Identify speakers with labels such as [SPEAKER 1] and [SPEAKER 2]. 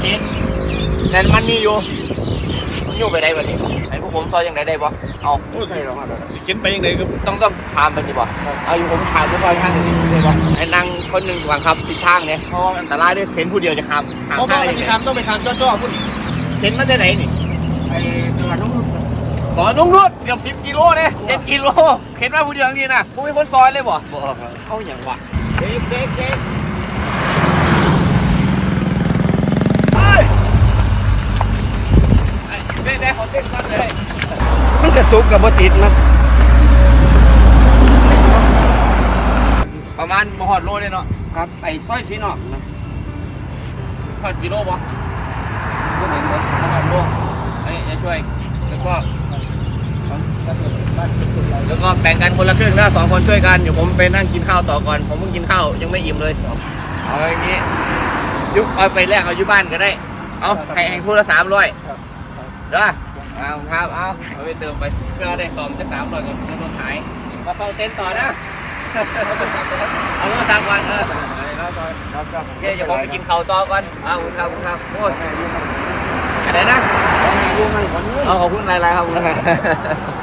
[SPEAKER 1] มีแต่มันมีอยู่ไปได้บ่นี่ไอ้พวกผมซอยยังไงได้บ่เอา
[SPEAKER 2] โอ้ใช่หรอครับ
[SPEAKER 3] สิเข็นไปยังไงครับ
[SPEAKER 1] ต้องถามไปนี่บ่เอาอยู่ผมถามทุกคนข้างนี้ได้บ่ไอ้นั่งคนหนึ่งวางครับทิศทางเนี่ยเพราะว่าอันตรายด้วยเข็นผู้เดียวจะข้าม
[SPEAKER 3] โอ้
[SPEAKER 1] ข้าง
[SPEAKER 3] ไป
[SPEAKER 1] ได้ยัง
[SPEAKER 3] ที่
[SPEAKER 1] ไง
[SPEAKER 3] ทำต้องไปทำจ้อๆพุ่น
[SPEAKER 1] เข็นมาจากไหนนี่
[SPEAKER 2] ไอ้ตลาดน้องนุ่น
[SPEAKER 1] บ่อนุ่งนวดเกือบ10 กิโลเนี่ย7 กิโลเข็นมาผู้เดียวนี่นะกูเป็นคนซอยเลยบ่
[SPEAKER 2] บ่ครับ
[SPEAKER 1] เอาอย่างวะเด็กเด็กได้ขอเต้นก่อนเลย
[SPEAKER 2] มันกระตุกกับบ่ติดนะ
[SPEAKER 1] ประมาณบ่ฮอดโลเลยเนาะ
[SPEAKER 2] ครับไอ้ซอยสีนอกนะ
[SPEAKER 1] ฮอดกิโลบ่
[SPEAKER 2] บ่เห็นบ่
[SPEAKER 1] ฮอดโลนี่จะช่วย แล้วก็แบ่งกันคนละครึ่งนะ2 คนช่วยกันเดี๋ยวผมไปนั่งกินข้าวต่อก่อนผมเพิ่งกินข้าวยังไม่อิ่มเลยเอาอย่างนี้ยุบเอาไปแลกเอาอยู่บ้านก็ได้เอาให้พูดละ300เด้อเอาครับเอาไปเติมไปเพื่อได้2 จะ 300ก่อนโดนหายมาเฝ้าเต็นท์ต่อนะเอาเงินสั่งก่อน
[SPEAKER 2] ครับ
[SPEAKER 1] โอเคเดี๋ยวผมไปกินข้าวต่อก่อนเอาคุณครับโอ้ยอะไรนะ
[SPEAKER 2] อยู่มันคนนี้
[SPEAKER 1] ขอบคุณหลายๆครับ